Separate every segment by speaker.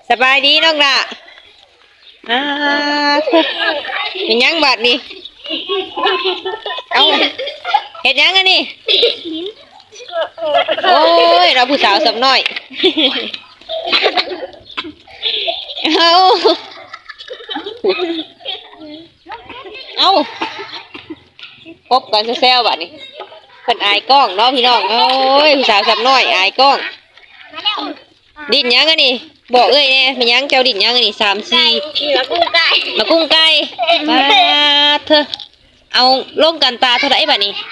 Speaker 1: สบายดีน้องละอ่าเป็นยังบัดนี่เอาเห็ดยังอันนี่โอ้ยเราผู้สาวสับน้อยเอาเอาพบกันแซวๆบัดนี่เพิ่นอายกล้องเนาะพี่น้องโอ้ยผู้สาวสับน้อยอายกล้องดิ้นยังอันนี่บอกเอ้ยเนี่ยมันยังเจ้าดิ้นยังอันนี่3-4มากุ้งไก่มาเธอเอาลงกันตาเท่าไหร่บัดนี้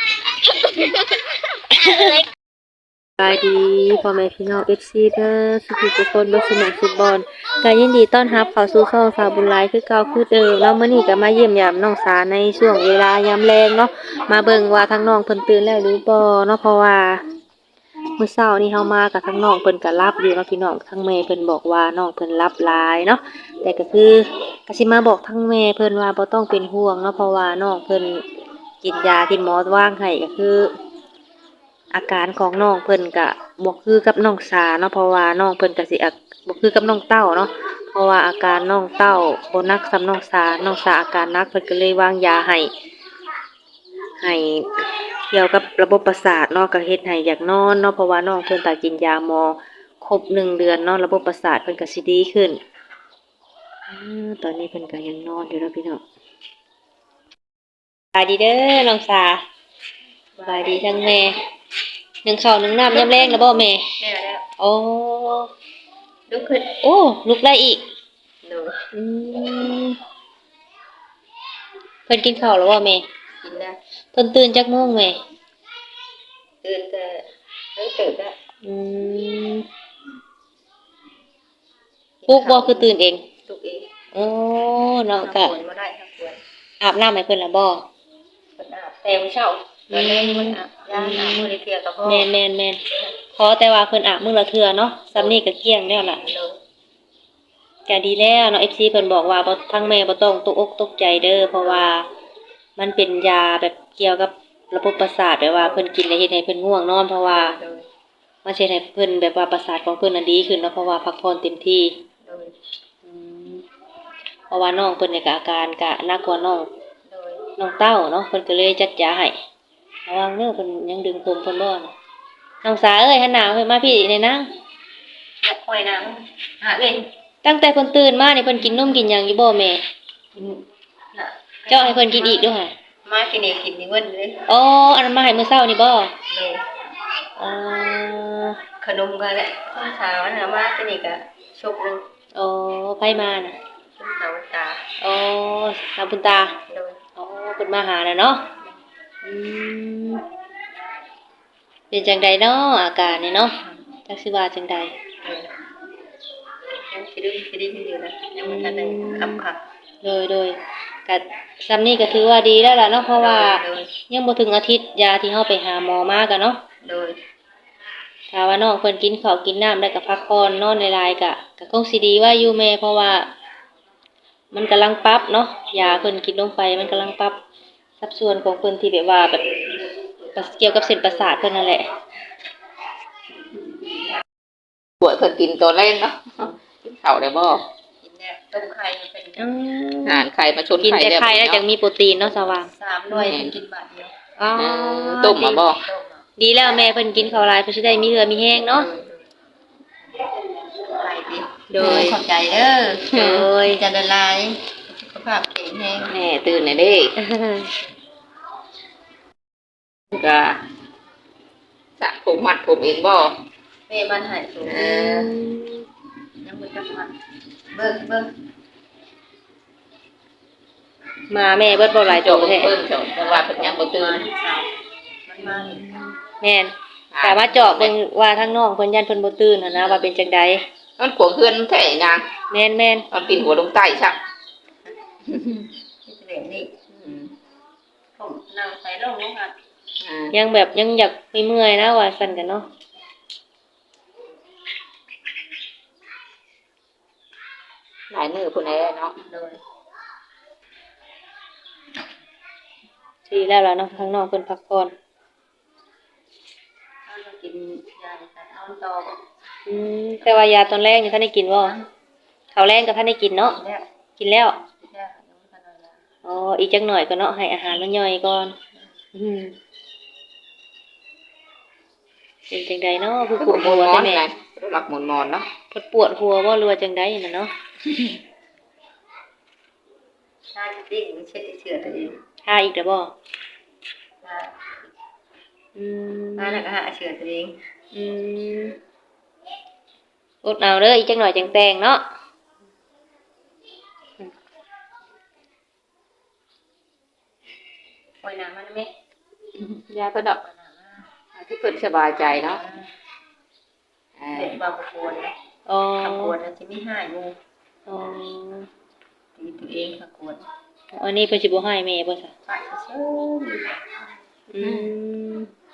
Speaker 1: สบายดีพ่อแม่พี่น้อง FC เด้อทุกคนบ่สมัครฟุตบอลก็ยินดีต้อนรับเข้าสู่ช่องฝากบุญหลายคือเก่าคือเดิมแล้วมื้อนี้ก็มาเยี่ยมยามน้องสาในช่วงเวลายามแลงเนาะมาเบิ่งว่าทั้งน้องเพิ่นตื่นแล้วหรือบ่เนาะเพราะว่ามื้อเช้านี้เฮามากับทั้งน้องเพิ่นก็หลับอยู่เนาะพี่น้องทั้งแม่เพิ่นบอกว่าน้องเพิ่นหลับหลายเนาะแต่ก็คือก็สิมาบอกทั้งแม่เพิ่นว่าบ่ต้องเป็นห่วงเนาะเพราะว่าน้องเพิ่นกินยาที่หมอวางให้ก็คืออาการของน้องเพิ่นก็บ่คือกับน้องสาเนาะเพราะว่าน้องเพิ่นก็สิบ่คือกับน้องเต้าเนาะเพราะว่าอาการน้องเต้าบ่หนักส่ำน้องสาอาการหนักเพิ่นก็เลยวางยาให้เกี่ยวกับระบบประสาทเนาะก็เฮ็ดให้อยากนอนเนาะเพราะว่าน้องเพิ่นถ้ากินยาหมอครบ1 เดือนเนาะระบบประสาทเพิ่นก็สิดีขึ้นตอนนี้เพิ่นก็ยังนอนอยู่เนาะพี่น้องสบายดีเด้อน้องสาสบายดีทั้งแม่นึ่งข้าวนึ่งน้ำยามแลงแล้วบ่แม่
Speaker 2: แล้ว
Speaker 1: โอ้
Speaker 2: ลุกขึ้น
Speaker 1: โอ้ลุกได้อีก
Speaker 2: หนู
Speaker 1: อืมเพิ่นกินข้าวแล้วบ่แม่
Speaker 2: กินแล้ว
Speaker 1: เพิ่นตื่นจักโมงแม่
Speaker 2: ตื่นแต่ตื่นแล้ว
Speaker 1: อืมปลุกบ่คือตื่นเอง
Speaker 2: ลุกเอง
Speaker 1: โอ้น้องก็
Speaker 2: ควรบ่ได้ทั้งควร
Speaker 1: อาบน้ำให้เพิ่นแล้วบ่
Speaker 2: เพิ่นอาบแต่มื้อเช้าตอนแรกมันอาบยามอาบมื้อละเทื่อก็พอ
Speaker 1: แม่นๆขอแต่ว่าเพิ่นอาบมื้อละเทื่อเนาะซ้ำนี้ก็เกลี้ยงแล้วล่ะก็ดีแล้วเนาะ FC เพิ่นบอกว่าบ่ทั้งแม่บ่ต้องตกอกตกใจเด้อเพราะว่ามันเป็นยาแบบเกี่ยวกับระบบประสาทแบบว่าเพิ่นกินแล้วเฮ็ดให้เพิ่นง่วงนอนเพราะว่ามันสิเฮ็ดให้เพิ่นแบบว่าประสาทของเพิ่นน่ะดีขึ้นเนาะเพราะว่าพักผ่อนเต็มที่อืมเพราะว่าน้องเพิ่นนี่ก็อาการก็หนักกว่าน้องเต้าเนาะเพิ่นก็เลยจัดยาให้ระวังเด้อเพิ่นยังดึงผมเพิ่นบ่น่ะน้องสาเอ้ยหันหน้าเพิ่นมาพี่นี่นาง
Speaker 2: ห้อยน้ำหาเอ้ย
Speaker 1: ตั้งแต่เพิ่นตื่นมานี่เพิ่นกินนมกินหยังอยู่บ่แม่
Speaker 2: น่ะ
Speaker 1: เจาะให้เพิ่นกินอีกเด้อค่ะ
Speaker 2: มากินนี่กินนี่เว้นเลย
Speaker 1: อ๋ออันนั้นมาให้มื้อเช้านี่บ่
Speaker 2: เลย
Speaker 1: อ๋อ
Speaker 2: ขนมก็แหละข้าวเช้าน่ะมากินนี่ก็ชุบนึง
Speaker 1: อ๋อไผมาน่ะ
Speaker 2: ชุบสาวตา
Speaker 1: อ๋อน้าบุญตา
Speaker 2: เลย
Speaker 1: อ๋อเพิ่นมาหาน่ะเนาะอืมเป็นจังใดเนาะอาการนี่เนาะจักสิว่าจังใด
Speaker 2: ยังสิได้อยู่นะยังบ่ทันได้ขับ
Speaker 1: โดยก็ซำนี้ก็ถือว่าดีแล้วล่ะเนาะเพราะว่า
Speaker 2: โดย
Speaker 1: ยังบ่ถึงอาทิตย์ยาที่เฮาไปหาหมอมาก็เนาะ
Speaker 2: โดย
Speaker 1: ถ้าว่าน้องเพิ่นกินข้าวกินน้ำแล้วก็พักผ่อนนอนหลายๆก็คงสิดีว่าอยู่แม่เพราะว่ามันกำลังปรับเนาะยาเพิ่นกินลงไปมันกำลังปรับสัดส่วนของเพิ่นที่แบบว่าแบบเกี่ยวกับเส้นประสาทเพิ่นนั่นแหละ
Speaker 3: ป่วยเพิ่นกินตัวแรกเนาะกินข้าวได้บ่
Speaker 2: กินเนี่ยต้มไข่เป็น
Speaker 3: อาหารไข่มาชน
Speaker 1: กิน
Speaker 3: ไข่
Speaker 1: แต่ไข่แล้วจังมีโปรตีนเนาะสว่าง
Speaker 2: 3 หน่วยกินบาทเดียว
Speaker 1: อ๋อ
Speaker 3: ต้มมาบ่
Speaker 1: ดีแล้วแม่เพิ่นกินข้าวหลายเพิ่นสิได้มีเหือมีแห้งเนาะ
Speaker 2: ไข่ดิ
Speaker 1: โดย
Speaker 2: ขอบใจเด้อ
Speaker 1: โดย
Speaker 2: จะละลายสุขภาพแข็งแรง
Speaker 3: แม่ตื่นหน่อยเด้ก็สระผมมัดผมเองบ่
Speaker 2: แม่มันให้สูงยังบ่จักมันเบิ่ง
Speaker 1: มาแม่เบิดบ่หลายโตแท้
Speaker 3: เพิ่นเจ้าแต่ว่าเพิ่นยังบ่ตื่น
Speaker 2: มันมา
Speaker 1: แม่นแต่ว่าเจาะเบิ่งว่าทางน้องเพิ่นยันเพิ่นบ่ตื่นหั่นนะว่าเป็นจังได๋
Speaker 3: มันขวงเฮือนแท้นาง
Speaker 1: แม่น
Speaker 3: มันปีนหัวลงใต้ซัก
Speaker 2: นี่ผมนั่งใส่ลงค่ะ
Speaker 1: ยังแบบยังอยากมีเมื่อยนะว่าซั่นกันเนาะ
Speaker 3: หลายมื้อพุ่นแหละเนาะ
Speaker 1: ดีแล้วล่ะเนาะทางน้องเพิ่นพักผ่อน
Speaker 2: กินยาเอาต่อ
Speaker 1: แต่ว่ายาตอนแรกนี่ท่านได้กินบ่ข้าวแรงก็ทันได้กินเนาะ
Speaker 2: แล้ว
Speaker 1: กินแล้ว
Speaker 2: แล้วยังบ่ทันได้
Speaker 1: อ๋ออีกจักหน่อยก็เนาะให้อาหารมันย่อยก่อนเป็นจังใดเนาะคือปวดหัวแต่แม่
Speaker 3: หลักหมุนมอนเนาะ
Speaker 1: ปวดหัวบ่หรือว่าจังใดน่ะเนาะ
Speaker 2: ถ้าดิ้งไม่ใช่เชื่อตัวเอง
Speaker 1: หาอีกแล้วบ่
Speaker 2: ถ้า
Speaker 1: อืม
Speaker 2: ถ้าแล้วก็หาเชื่อตัวเอง
Speaker 1: อืมอดเอาเด้ออีกจักหน่อยจังแต่งเนาะ
Speaker 2: ปล่อยน้ำมันไหม
Speaker 3: ยาก็ดอกที่เพิ่นสบายใจเนาะ
Speaker 2: เด็กบางปวดนะ
Speaker 1: อ๋อ
Speaker 2: ถ้าปวดมันจะไม่หายงู
Speaker 1: อ๋อ
Speaker 2: ตีตัวเองถ้าปวด
Speaker 1: อันนี้เพิ่นสิบ่ให้แม่บ่ซะ
Speaker 2: ไปเชื่อ
Speaker 1: อืม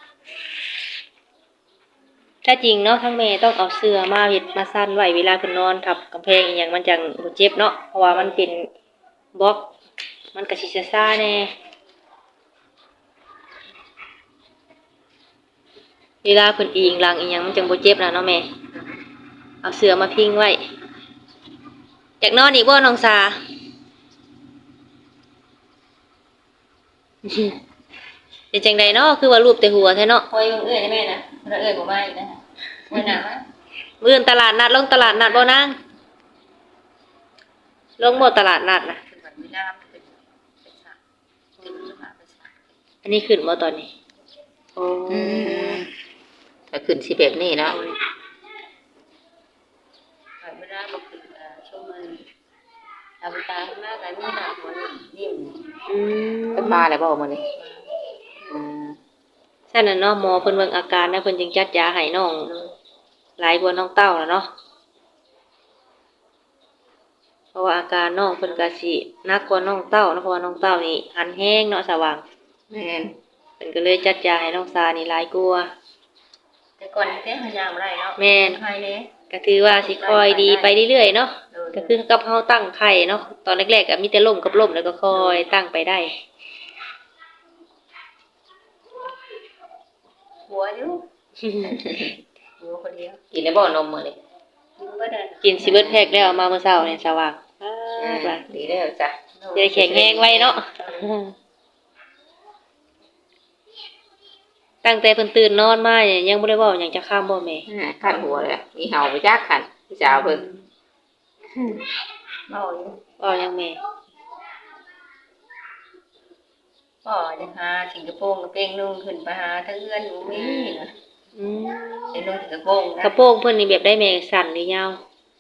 Speaker 1: ถ้าจริงเนาะทั้งแม่ต้องเอาเสื้อมาเฮ็ดมาซั่นไว้เวลาเพิ่นนอนทับกำแพงอีหยังมันจังบ่เจ็บเนาะเพราะว่ามันเป็นบล็อกมันก็สิซ่าๆแน่เวลาเพิ่นอิงหลังอีหยังมันจังบ่เจ็บนะเนาะแม่เอาเสื้อมาพิงไว้อยากนอนอีกบ่น้องสา เป็นจังใดเนาะคือว่ารูปแต่หัวแท้เนาะ
Speaker 2: ปล่อยเอื้อยได้ไหมนะเราเอื้อยบ่มาอีกนะปล่อยน้ำมัน
Speaker 1: มื้ออื่นตลาดนัดลงตลาดนัดบ่นางลงบ่ตลาดนัดน่ะ
Speaker 2: คือมันไม่น้ำขึ้นเป็นฉากขึ้นมาเป็นฉาก
Speaker 1: อันนี้ขึ้นบ่ตอนนี้โอ้
Speaker 3: ถ้าขึ้นสิแบบนี้เนาะ
Speaker 2: ไม่ได้มาขึ้นช่วงมันทำตาข้างหน้ากันไม่หนาหัวนิ่ม
Speaker 1: อืม
Speaker 3: เพิ่นมาแล้วบ่มื้อนี้อืม
Speaker 1: ซั่นน่ะเนาะหมอเพิ่นเบิ่งอาการแล้วเพิ่นจึงจัดยาให้น้องหลายกว่าน้องเต้าแล้วเนาะเพราะว่าอาการน้องเพิ่นก็สิหนักกว่าน้องเต้าเนาะเพราะว่าน้องเต้านี่หันแห้งเนาะสว่าง
Speaker 3: แม่น
Speaker 1: เพิ่นก็เลยจัดยาให้น้องซานี่หลายกว่า
Speaker 2: แต่ก่อนเต้พยายามอะไรเนาะใครเลย
Speaker 1: ก็ถือว่าสิค่อยดีไปเรื่อยๆเนาะก็คือกับเฮาตั้งไข่เนาะตอนแรกๆก็มีแต่ล่มกับล่มแล้วก็ค่อยตั้งไปได้
Speaker 2: หัวอยู่หัวคนเดียว
Speaker 3: กินได้บ่นมมื้อนี้
Speaker 2: ก็ได้
Speaker 1: กินสิเบิดแพ็กแล้วเอามาเมื่อเช้านี่สว่างว่า
Speaker 3: ดีแล้วจ้ะ
Speaker 1: จะได้แข็งแรงไว้เนาะตั้งแต่เพิ่นตื่นนอนมาเนี่ยยังบ่ได้เว้าหยังจะข้ามบ่แม่
Speaker 3: คันหัวเลยมีเห่าไปจักคันพี่สาวเพิ่น
Speaker 2: เมาอยู่
Speaker 1: เว้าหยังแม่
Speaker 2: ก็จะหาสิงคโปร์กับเป้งนุ่งขึ้นไปหาทั้งเอื้อนอยู่มี
Speaker 1: อืม
Speaker 2: ไอ้นุ่งสิงคโปร์
Speaker 1: กระโปรงเพิ่นนี่แบบได้แม่สั้นหรือยาว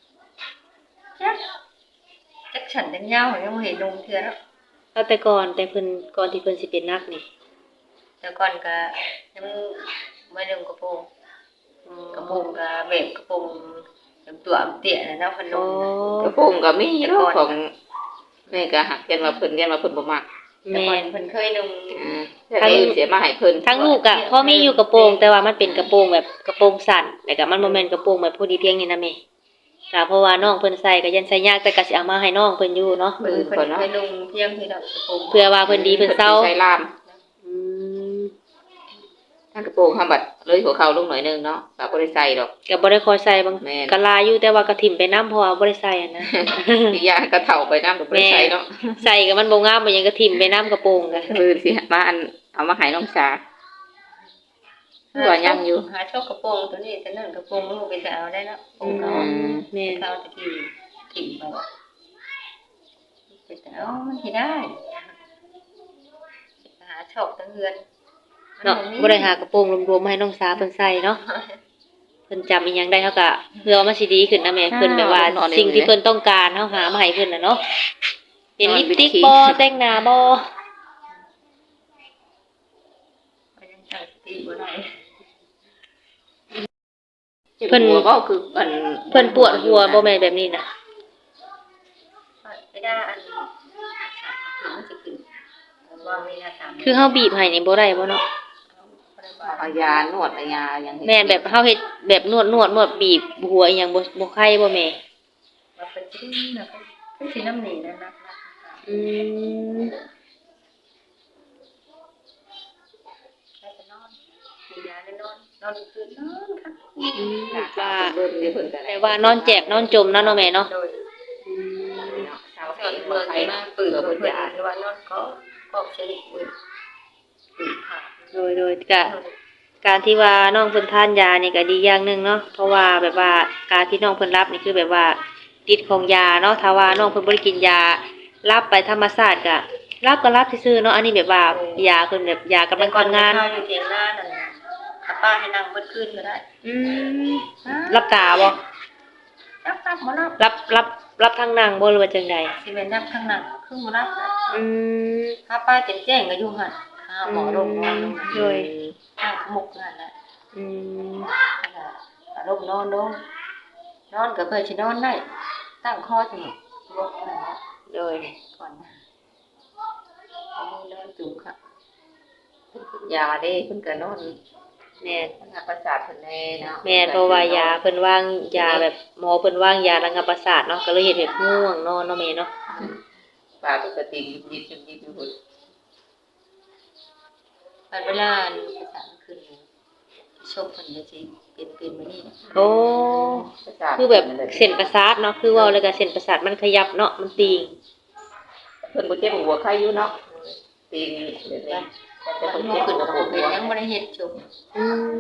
Speaker 2: จักฉันเป็นยาวยังเห็นนุ่งเทื่อแล้ว
Speaker 1: เอาแต่ก่อนแต่เพิ่นก่อนที่เพิ่นสิเป็นนักนี่
Speaker 2: แต่ก่อนก็ยังไม่นุ่งกระโปรงกระโปรงก็แบบกระโปรงตัวเตี้ยนะเนาะพน
Speaker 1: อ๋อ
Speaker 2: ม
Speaker 3: กระโปรงก็มีเนาะของแม่ก็หักยันว่าเพิ่นบ่มัก
Speaker 2: แต่
Speaker 1: แม่
Speaker 2: ก่อน
Speaker 1: น
Speaker 2: เพิ่นเคยนุ่ง
Speaker 3: ถ้าได้เสียมาให้เพิ่น
Speaker 1: ทั้งลูกอะพอมีอยู่กระโปรงแต่ว่ามันเป็นกระโปรงแบบกระโปรงสั้นแต่ก็มันบ่แม่นกระโปรงแบบพอดีเพียงนี่นะแม่ก็เพราะว่าน้องเพิ่นใส่ก็ยันใส่ยากแต่ก็สิเอามาให้น้องเพิ่นอยู่เนาะ
Speaker 2: เพิ่นเคยนุ่งเพียงที่ดอกกระโปรง
Speaker 1: เพื่อว่าเพิ่นดีเพิ่นเซา
Speaker 3: ใส่ลาม
Speaker 1: อืม
Speaker 3: ทั้งกระโปรงห้าบัดเลยหัวเข่าลงหน่อยนึงเนาะก็บ่ได้ใส่ดอก
Speaker 1: ก็บ่ได้คอยใส่บาง
Speaker 3: แม่น
Speaker 1: ก็ลาอยู่แต่ว่าก็ถิ่มไปน้ำเพราะว่าบ่ได้ใส่อะนะ
Speaker 3: อีกอย่างก็เฒ่าไปน้ำก็บ่ได้ใส่เนาะ
Speaker 1: ใส่ก็มันบ่งามบ่หยังก็ถิ่มไปน้ำกระโปรงก็
Speaker 3: คือสิมาอันเอามาให้น้องสาตัวยังอยู่
Speaker 2: หาชอบกระโปรงตัวนี้ตัวนั้นกระโปรงมันเป็นแต่เอาได้เนาะกระโปรงเขา
Speaker 1: แม่น
Speaker 2: เขาตะกี้ถิ่มไปว่าเป็นแต่เอามันที่ได้หาชอบตั้งเฮือน
Speaker 1: เนาะบ่ได้หากระโปรงรวมๆมาให้น้องสาเพิ่นใส่เนาะเพิ่นจำอีหยังได้เฮาก็เพื่อว่ามันสิดีขึ้นนะแม่เพิ่นแบบว่าสิ่งที่เพิ่นต้องการเฮาหามาให้เพิ่นน่ะเนาะเป็นลิปสติกบ่แต่งหน้าบ่
Speaker 2: ก็ยังตั้งสติบ่ได้
Speaker 3: เพิ่นหัวก็คืออัน
Speaker 1: เพิ่นปวดหัวบ่แม่นแบบนี้น่ะ
Speaker 2: ไม่ได้อันมันจะขึ้นว่ามีหน้าตาม
Speaker 1: คือเฮาบีบให้นี่บ่ได้บ่เนาะ
Speaker 3: เอายานวดเอายาอย่าง
Speaker 1: แม่นแบบเฮาเฮ็ดแบบนวดบีบหัวอีหยังบ่ไข้บ่แม่
Speaker 2: ว่าเป็นชิ้นนะเป็นชิ้นน้ำหนีนะนะ
Speaker 1: อืม
Speaker 2: แล้วจะนอนกินยาแล้วนอนคืนนอนค่ะ
Speaker 1: ว่า
Speaker 3: เบิ่งเดี๋ยวเพิ่นก็ได้
Speaker 1: แต่ว่านอนแจกนอนจมนะเนาะแม่เนาะ
Speaker 2: โดยนอนเมืองนี่มาปื้อเพิ่นหรือว่านอนก็ใช้ปื้อค่ะ
Speaker 1: โดยก็การที่ว่าน้องเพิ่นทานยานี่ก็ดีอย่างหนึงเนาะเพราะว่าแบบว่าการที่น้องเพิ่นรับนี่คือแบบว่าฤทธิ์ของยาเนาะถ้าว่าน้องเพิ่นบ่ได้กินยารับไปธรรมชาติก็รับซื่อๆเนาะอันนี้แบบว่ายาเพิ่นแบบยากำลังทำงาน
Speaker 2: ข้าวอยู่เถียงหน้านั่นน่ะถ้าป้าให้นั่งเบิดคืนก็ได้
Speaker 1: อืมรับตาบ่
Speaker 2: รับบ่รับ
Speaker 1: รับทางนั่งบ่หรือว่าจังใด
Speaker 2: สิเป็นรับข้างหน้าคือบ่รับนะ
Speaker 1: อืม
Speaker 2: ถ้าป้าแจ้งก็อยู่หั่นหาหมอโรงพยาบาล
Speaker 1: โดย
Speaker 2: ข้างมุกนั่นน่ะ
Speaker 1: อืม
Speaker 2: ลงนอนลงนอนก็เพื่อสินอนได้ตั้งคอจังลกนั่นน่ะ
Speaker 1: โดย
Speaker 2: ก่อนนะเอามือนอนจุ่มค่ะ
Speaker 3: ยาเด้เพิ่นก็นอน
Speaker 1: แม่น
Speaker 3: ทางประสาทเพิ่นแน่เนาะ
Speaker 1: แม่นเพราะว่ายาเพิ่นวางยาแบบหมอเพิ่นวางยาระงับประสาทเนาะก็เลยเฮ็ดให้ง่วงนอนเนาะแม่เนาะ
Speaker 3: ปากปกติยิบอยู่พุ่น
Speaker 2: ตอนเวลาภาษาขึ้นชมเพิ่นจะสิเป็นมานี่
Speaker 1: โอ้
Speaker 3: ประสาท
Speaker 1: คือแบบเส้นประสาทเนาะคือเว้าแล้วก็เส้นประสาทมันขยับเนาะมันตีง
Speaker 3: เพิ่นบ่เจ็บหัวใครอยู่เนาะตีนเดี๋ยวนี้แต่
Speaker 2: มัน
Speaker 3: เพิ่น
Speaker 2: บ่
Speaker 3: เจ็บ
Speaker 2: ขึ้น
Speaker 3: หัว
Speaker 2: กับ
Speaker 3: ปวด
Speaker 2: เป็น
Speaker 3: หัว
Speaker 2: ยังบ่ได้เฮ็ดชม
Speaker 1: อืม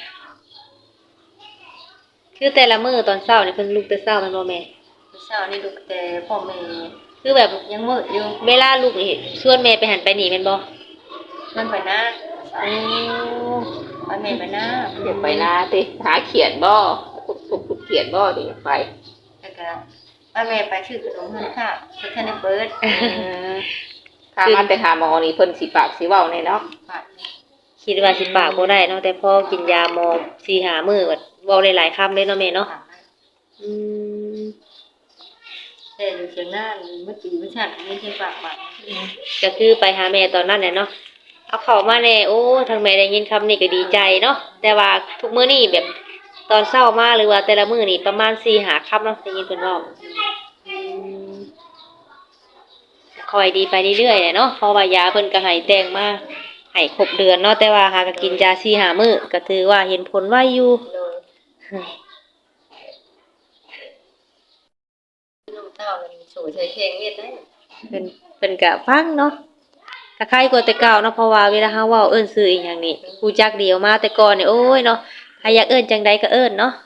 Speaker 1: คือแต่ละมื้อตอนเช้านี่เพิ่นลุกแต่เช้าแม่นบ่แม่
Speaker 2: เช้านี่ลูกแต่พ่อแม่
Speaker 1: คือแบบ
Speaker 2: ยังมืดอยู่
Speaker 1: เวลาลูกนี่ชวนแม่ไปหันไปนี่แม่นบ่
Speaker 2: มันไปนะ
Speaker 1: โอ้
Speaker 2: ไปแม่ไปนะ
Speaker 3: เดี๋ยวไปนาติหาเขียนบ่ขุดเขียนบ่ดิไป
Speaker 2: แล้วก็ป้าแม่ไปชื่อขนมเฮือนข้าวเพิ่นทันได้เปิด
Speaker 3: ถ้ามาแต่หาหมอนี่เพิ่นสิปากสิเว้าแน่เนาะ
Speaker 2: ฝาก
Speaker 1: คิดว่าสิปากบ่ได้เนาะแต่พอกินยาหมอ4-5มื้อก็เว้าได้หลายคำเลยเนาะแม่เนาะ
Speaker 2: ฝาก
Speaker 1: อืม
Speaker 2: แต่อยู่เชียงหน้าเมื่อปีเมื่อชาติมีเชียงฝากมา
Speaker 1: ก็คือไปหาแม่ตอนนั้นแหละเนาะเอาเข้ามาแน่โอ้ทางแม่ได้ยินคำนี้ก็ดีใจเนาะแต่ว่าทุกมื้อนี่แบบตอนเช้ามาหรือว่าแต่ละมื้อนี่ประมาณ4-5คำเนาะได้ยินเพิ่นเว้าอืมค่อยดีไปเรื่อยๆแหละเนาะเพราะว่ายาเพิ่นก็ให้แต่งมาให้ครบเดือนเนาะแต่ว่าหาก็กินยา4-5มื้อก็ถือว่าเห็นผลไวอยู่
Speaker 2: โดยน้องเต้ามันสวยใช้เพลงเวียดได้
Speaker 1: เพิ่นก็ฟังเนาะก็คล้ายกว่าแต่เก่าเนาะเพราะว่าเวลาเฮาเว้าเอิ้นชื่ออีหยังนี่รู้จักเดียวมาแต่ก่อนนี่โอ้ยเนาะใครอยากเอิ้นจังใดก็เอิ้นเนาะ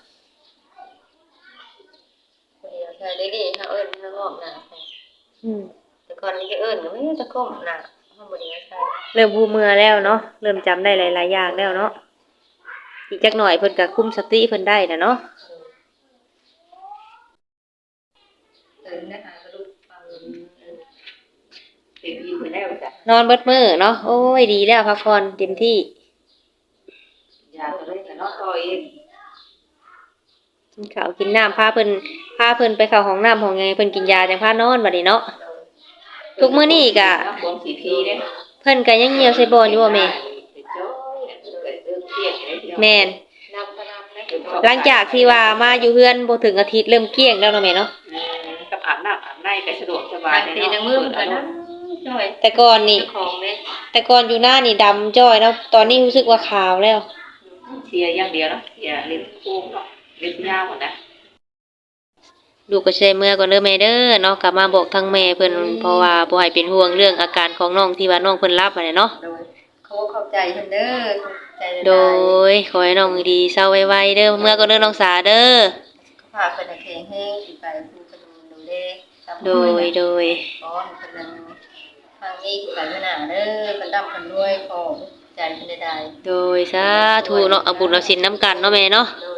Speaker 2: คนเดียวใช้ได้ดีถ้าเอิ้นถ้างอกหน้า
Speaker 1: อืม
Speaker 2: แต่ก่อนนี้ก็เอิ้นก็ไม่ตะก้มหน้าเฮาบ่ได้ใช้
Speaker 1: เริ่มรู้มือแล้วเนาะเริ่มจำได้หลายๆอย่างแล้วเนาะอีกจักหน่อยเพิ่นก็คุมสติเพิ่นได้น่ะเนาะ
Speaker 2: นะคะก็ลูกฟัง
Speaker 3: เป็นอยู่ไปแล้วจ้ะ
Speaker 1: นอนเบิดมื้อเนาะโอ้ยดีแล้วพักผ่อนเต็มที่
Speaker 3: ยาตัวนี้ก็เนาะต่อเอง
Speaker 1: กินข้าวกินน้ำพาเพิ่นไปเข้าห้องน้ำห้องไงเพิ่นกินยาจังพานอนบัดนี้เนาะทุกมื้อนี้ก็
Speaker 3: บวมสีพีเด้
Speaker 1: เพิ่นก็ยังเหี่ยวใส่บ่อนอยู่บ่แม่แม่น
Speaker 2: นำพนำนะ
Speaker 1: หลังจากที่ว่ามาอยู่เฮือนบ่ถึงอาทิตย์เริ่มเกลี้ยงแล้วเนาะแม่เนาะ
Speaker 3: กับอาบน้ำอาบในก็สะดวกสบา
Speaker 2: บาย งทีนางมือมันก็นะจ้อย
Speaker 1: แต่ก่อนนี่
Speaker 2: ของเด้
Speaker 1: แต่ก่อนอยู่หน้านี่ดำจ้อยเนาะตอนนี้รู้สึกว่าขาวแล้ว
Speaker 3: เสียอย่างเดียวเนาะเสียเล็บโค้งเนาะเล็บยาวหมดนะ
Speaker 1: ลูกก็ใช้เมื่อก่อนเด้อแม่เด้อเนาะกลับมาบอกทางแม่เพิ่นเพราะว่าบ่ให้เป็นห่วงเรื่องอาการของน้องที่ว่าน้องเพิ่นรับอะเนาะ
Speaker 2: โดยเขาเข้าใจเพิ่นเด้อใจ
Speaker 1: โดยขอให้น้องดีเศร้าไวๆเด้อเมื่อก่อนเด้อน้องสาเด้อ
Speaker 2: พาเพิ่นแข็งแรงสิไปผู้กระดูเด้ตาม
Speaker 1: โดยโดย
Speaker 2: ขอให้เพิ่นนั้นทางนี้ไปเมื่อหน้าเด้อเพิ่นร่ำเพิ่นรวยขอใจเพิ่นได้
Speaker 1: โดยสาธุเนาะเอาบุญเอาศีลนํกันเนาะแม่เนาะ
Speaker 2: โดย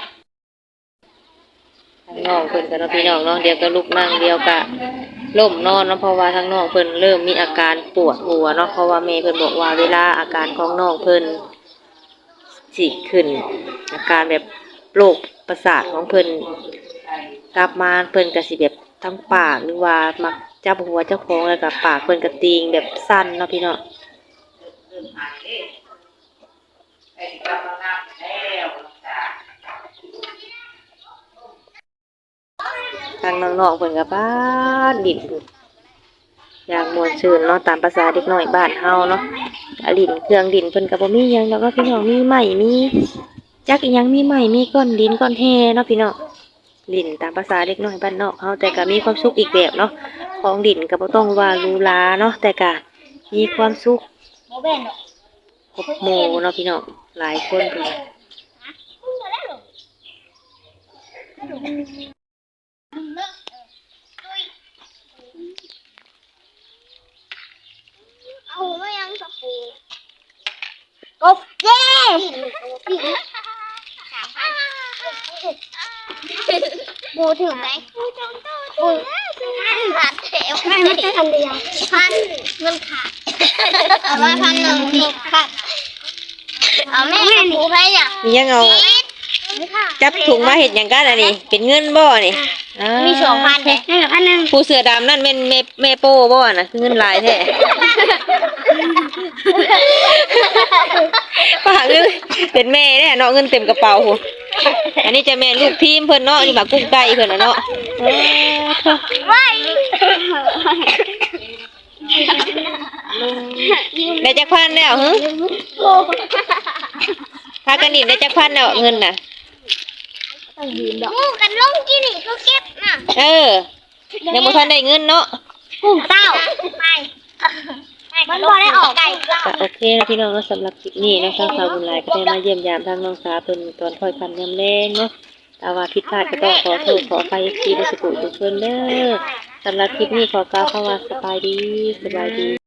Speaker 1: ทางน้องเพิ่นก็เนาะพี่น้องเนาะเดี๋ยวก็ลุกนั่งเดี๋ยวก็ล้มนอนเนาะเพราะว่าทางน้องเพิ่นเริ่มมีอาการปวดหัวเนาะเพราะว่าแม่เพิ่นบอกว่าเวลาอาการของน้องเพิ่นสิขึ้น อาการแบบโรคประสาทของเพิ่นกลับมาเพิ่นก็สิแบบทั้งปากหรือว่ามักจับหัวเจ้าของแล้วก็ปากเพิ่นก็ติงแบบสั่นเนาะพี่เนาะ
Speaker 3: เริ่มหายเด้ไอ้ที่กำลังน้ำแล้วจ้ะ
Speaker 1: ทางน้องๆเพิ่นก็บ้านดินอย่างม่วนชื่นเนาะตามภาษาเด็กน้อยบ้านเฮาเนาะอะดินเครื่องดินเพิ่นก็บ่มีหยังดอกเนาะพี่น้องมีไม้มีจักอีหยังมีไม้มีก้อนดินก้อนแฮเนาะพี่น้องลิ้นตามภาษาเด็กน้อยบ้านนอกเฮาแต่ก็มีความสุขอีกแบบเนาะของดินก็บ่ต้องว่าหรูหราเนาะแต่ก็มีความสุข
Speaker 4: บ่แม่นดอก
Speaker 1: ครบหมู่เนาะพี่น้องหลายคนพุ่นน่ะ
Speaker 4: เอาไม่ยังสปูกบเย้บูถึงไหมบูขาดเทวไม่ใช่พันเดียวพันเงินขาดเอาไว้1,000นี่ขาดเอาแม่หมูไปอย่าง
Speaker 1: มียังเอาจับถุงมาเฮ็ดหยังกันอันนี้เป็นเงินบ่นี่อ่า
Speaker 4: มี2,000แต่นี่1,000
Speaker 1: ผู้เสื้อดำนั่นแม่นแม่โป้บ่น่ะคือเงินหลายแท้ป้าเงินเป็นแม่แน่เนาะเงินเต็มกระเป๋าพุ่นอันนี้จะแม่ลูกทีมเพิ่นเนาะนี่หมากุ้งไก่เพิ่นน่ะเนาะเออเถอะ
Speaker 4: ไว้
Speaker 1: ได้จักพันแล้วหึพากันดินได้จักพันแล้วเงินน่ะ
Speaker 4: งูกันลงกี่นี่ก็เก็บน่ะ
Speaker 1: เออยังบ่ทันได้เงินเนาะ
Speaker 4: กุ้งเต้าไปมันบ่ได้ออกไก่เต้า
Speaker 1: ก็โอเคนะพี่น้องเนาะสำหรับคลิปนี้เนาะทางสาวบุญหลายก็ได้มาเยี่ยมยามทางน้องสาวเพิ่นตอนค่อยค่ำยามแลงเนาะแต่ว่าผิดพลาดก็ต้องขอโทษขออภัยที่ได้สกุลทุกคนเด้อสำหรับคลิปนี้ขอกล่าวคำว่าสบายดี